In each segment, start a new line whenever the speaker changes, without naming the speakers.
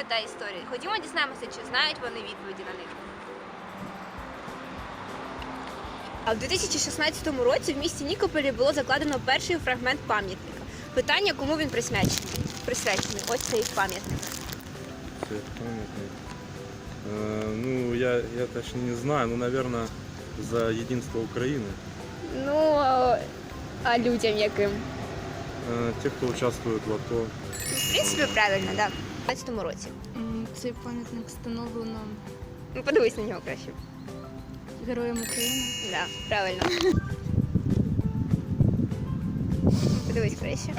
та історії. Ходімо дізнаємося, чи знають вони відповіді на них. А в 2016 році в місті Нікополі було закладено перший фрагмент пам'ятника. Питання, кому він присвячений? Ось цей пам'ятник.
Це пам'ятник. Ну, я точно не знаю, но, наверное, за единство Украины.
Ну, а людям яким?
Те, кто участвует в АТО.
В принципі, правильно, так. Да. В 2015 році.
Цей пам'ятник встановлено
Ну, подивись на нього краще.
Героям України.
Так, да, правильно. Подивись краще.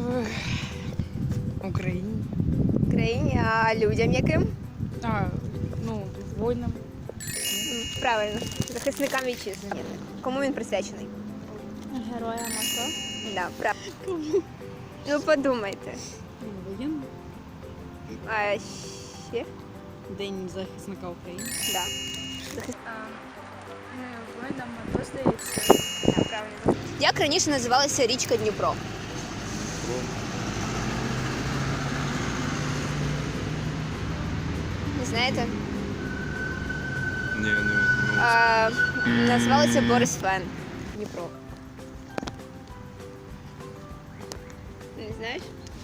Україні.
Країні, а людям яким?
Воїнам.
Правильно. Захисникам вітчизни. Кому він присвячений?
Героям АТО.
Да, правильно. Ну, подумайте.
Воєнним.
А ще?
День захисника України.
Да.
Воїнам АТо, здається.
Да, правильно. Як раніше називалася річка Дніпро? Не знаєте?
Не.
Називалася Борисфен. Дніпро. Не знаєш?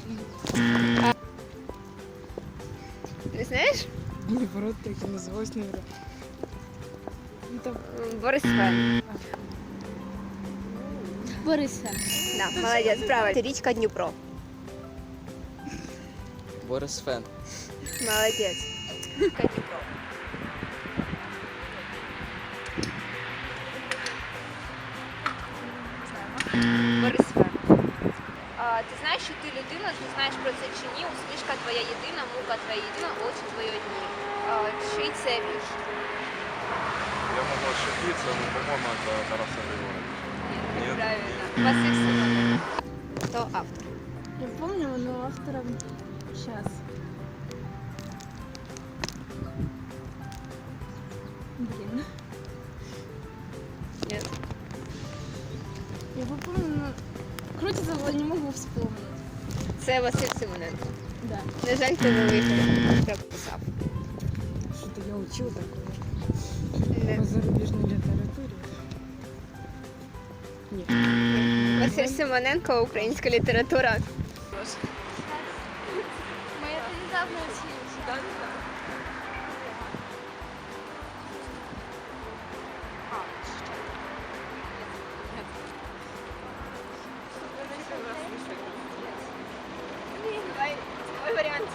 Не знаєш?
Дніпро так і називалось, мабуть.
Борисфен.
Борисфен.
Да, молодець, правильно. Це річка Дніпро.
Борисфен.
Молодець. Річка Дніпро. Борисфен. Ти знаєш, що ти людина, ти знаєш про це чи ні? Усмішка твоя єдина, мука твоя єдина, очі твої одні. Чий це вірш?
Я могу ошибиться, но, по-моему, это Тараса Григорьевича.
Ні,
Ні?
правильно. Василь Симоненко. Хто автор?
Я помню, но автором сейчас. Блин.
Нет.
Я помню, но крутится, но не могу вспомнить.
Це Василь Симоненко.
Да.
На жаль, ти не виграв. Як писав.
Что-то я учил такое.
Не.
По зарубежной литературе. Нет.
Василь Симоненко, українська література.
Мы это недавно учились.
Давай, твой варіант.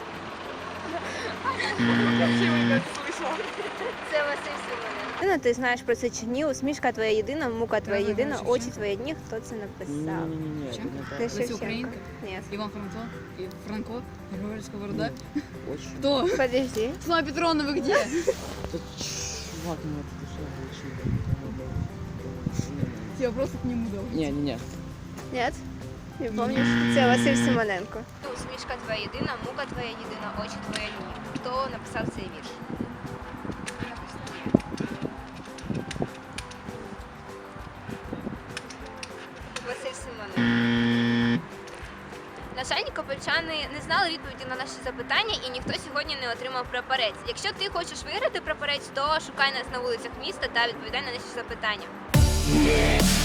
Це Василь Симоненко. Ти знаєш про це чи ні? Усмішка твоя єдина, мука твоя єдина, очі твої одні. Хто це написав?
Не-не-не,
Це Шевченко. Ні.
Иван Франко, Григорий Сковорода.
Очень.
Кто?
Подожди.
Слава Петровна, вы где?
Да чувак, ну это дешевле.
Я просто к нему дал.
Не-не-не.
Ні? Не пам'ятаєш? Це Василь Симоненко. Усмішка твоя єдина, мука твоя єдина, очі твої одні. Хто написав цей вірш? Василь Симоненко. На жаль, нікопольчани не знали відповіді на наші запитання і ніхто сьогодні не отримав прапорець. Якщо ти хочеш виграти прапорець, то шукай нас на вулицях міста та відповідай на наші запитання.